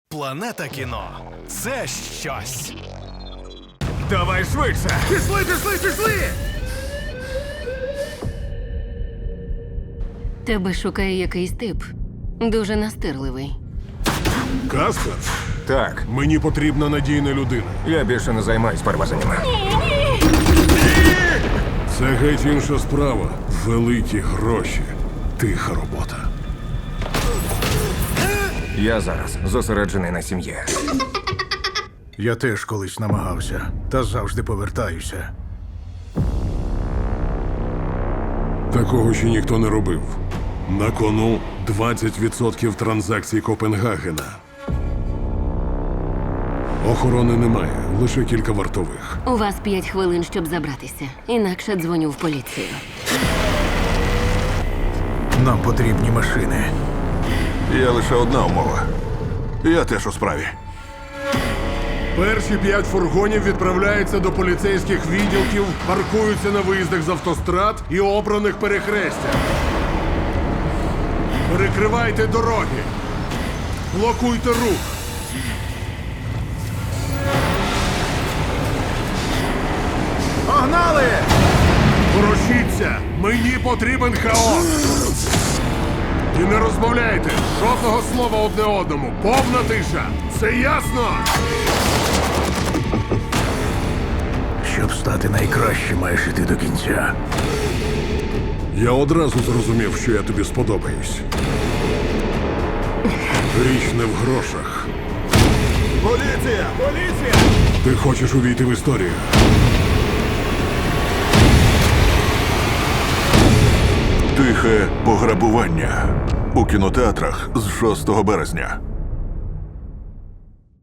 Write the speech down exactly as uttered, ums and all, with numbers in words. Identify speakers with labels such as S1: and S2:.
S1: Планета кіно – це щось.
S2: Давай швидше!
S3: Пішли, пішли, пішли!
S4: Тебе шукає якийсь тип. Дуже настирливий.
S5: Каспер,
S2: Так,
S5: мені потрібна надійна людина.
S2: я більше не займаюсь перевезеннями.
S5: Це геть інша справа. Великі гроші. Тиха робота.
S2: Я зараз зосереджений на сім'ї.
S3: Я теж колись намагався, та завжди повертаюся.
S5: Такого ще ніхто не робив. На кону двадцять відсотків транзакцій Копенгагена. Охорони немає, лише кілька вартових.
S4: У вас п'ять хвилин, щоб забратися. Інакше дзвоню в поліцію.
S3: Нам потрібні машини.
S6: Є лише одна умова. Я теж у справі.
S5: Перші п'ять фургонів відправляються до поліцейських відділків, паркуються на виїздах з автострад і обраних перехрестях. Перекривайте дороги. Блокуйте рух.
S3: Погнали!
S5: Ворушіться! Мені потрібен хаос! І не розмовляйте! Жодного слова одне одному! Повна тиша! Це ясно?
S3: Щоб стати найкращим, маєш іти до кінця.
S5: Я одразу зрозумів, що я тобі сподобаюсь. Річ не в грошах.
S6: Поліція! Поліція!
S5: Ти хочеш увійти в історію.
S6: Тихе пограбування у кінотеатрах з шостого березня.